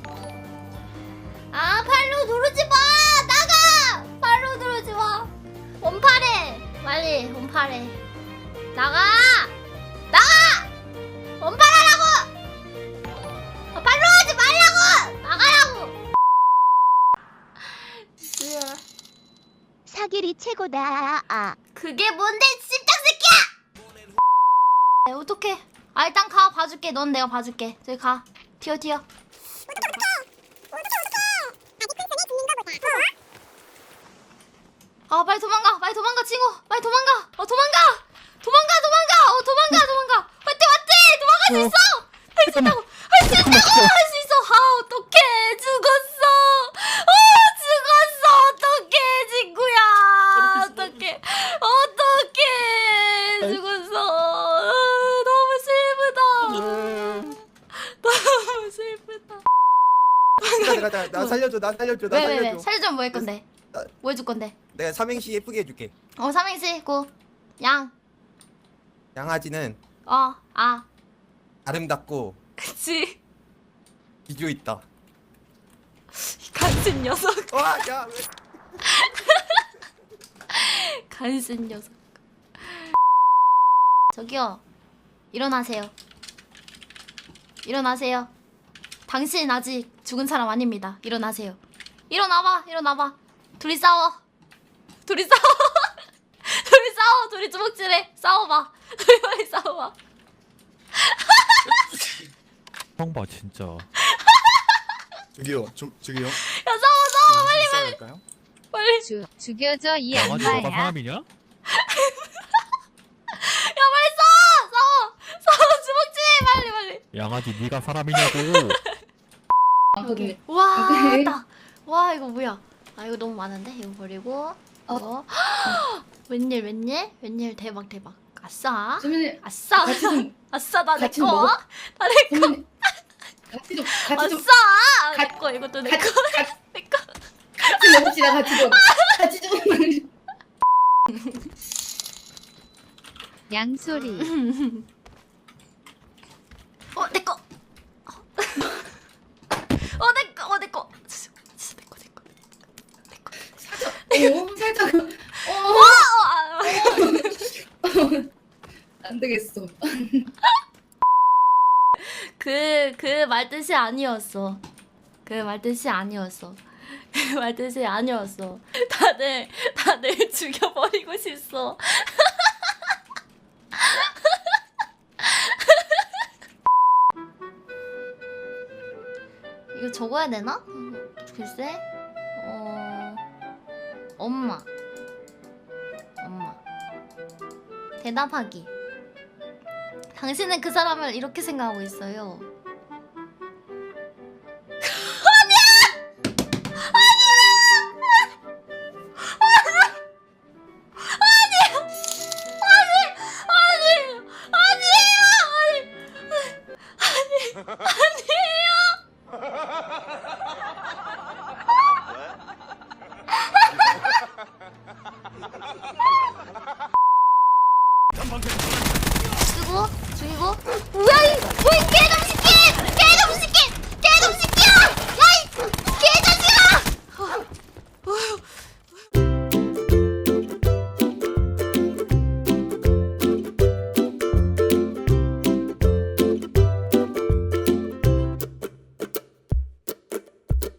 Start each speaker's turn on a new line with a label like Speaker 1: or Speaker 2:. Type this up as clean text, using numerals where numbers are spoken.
Speaker 1: 아 팔로 누르지 마. 나가. 팔로 누르지 마. 원팔해. 빨리 원팔해. 나가. 나가. 원팔하라고. 아, 팔로 하지 말라고. 나가라고.
Speaker 2: 사길이 최고다. 아.
Speaker 1: 그게 뭔데 씹장 새끼야. 네, 어떡해. 아 일단 가 봐줄게. 넌 내가 봐줄게. 저기 가. 튀어 튀어. 아 빨리 도망가. 빨리 도망가 친구. 빨리 도망가. 도망가. 도망가 도망가. 도망가. 맞지 맞지. 도망갈 수 있어. 할 수 있다고. 할 수 있다고. 할 수 있어. 아 어떡해. 죽었어. 죽었어. 어떡해 친구야. 어떡해. 어떡해. 죽었어. 너무 슬프다. 너무 슬프다.
Speaker 3: 나 살려줘. 나 살려줘. 나
Speaker 1: 왜
Speaker 3: 살려줘.
Speaker 1: 살려주면 뭐 할 건데?
Speaker 3: 나-
Speaker 1: 뭐 해줄 건데?
Speaker 3: 내가 삼행시 예쁘게 해줄게.
Speaker 1: 삼행시 고. 양.
Speaker 3: 양아지는
Speaker 1: 아.
Speaker 3: 아름답고
Speaker 1: 그치.
Speaker 3: 기조 있다.
Speaker 1: 간신 녀석.
Speaker 3: 와, 야, 왜?
Speaker 1: 간신 녀석. 저기요. 일어나세요. 일어나세요. 당신 아직 죽은 사람 아닙니다. 일어나세요. 일어나봐. 일어나봐. 둘이 싸워. 둘이 싸워. 둘이 싸워. 둘이 주먹질해. 싸워봐. 둘이 빨리 싸워봐.
Speaker 4: 형 봐 진짜.
Speaker 5: 저기요, 저기요.
Speaker 1: 야 싸워. 빨리
Speaker 5: 싸울까요?
Speaker 1: 빨리.
Speaker 2: 죽여줘 이
Speaker 4: 양아지 너가
Speaker 2: 악마야.
Speaker 4: 사람이냐?
Speaker 1: 야 빨리 싸워. 주먹질해. 빨리.
Speaker 4: 양아지 네가 사람이냐고.
Speaker 1: 여기. 와, 나. 와 이거 뭐야? 아 이거 너무 많은데 이거 버리고. 이거. 웬일 대박. 아싸.
Speaker 6: 선배님
Speaker 1: 아싸.
Speaker 6: 같이 좀
Speaker 1: 아싸 나 내
Speaker 6: 같이 좀
Speaker 1: 거.
Speaker 6: 먹어?
Speaker 1: 나 내 거.
Speaker 6: 선배님 같이 좀
Speaker 1: 아싸. 내 거. 이것도 내 거. 내 거.
Speaker 6: 같이 먹읍시다 같이 좀
Speaker 2: 양소리.
Speaker 1: 내 거. 내 거. 진짜 내 거.
Speaker 6: 살짝 안 되겠어.
Speaker 1: 그 말뜻이 아니었어. 그 말뜻이 아니었어. 다들 죽여버리고 싶어. 이거 적어야 되나? 글쎄. 엄마. 대답하기. 당신은 그 사람을 이렇게 생각하고 있어요. 아니에요.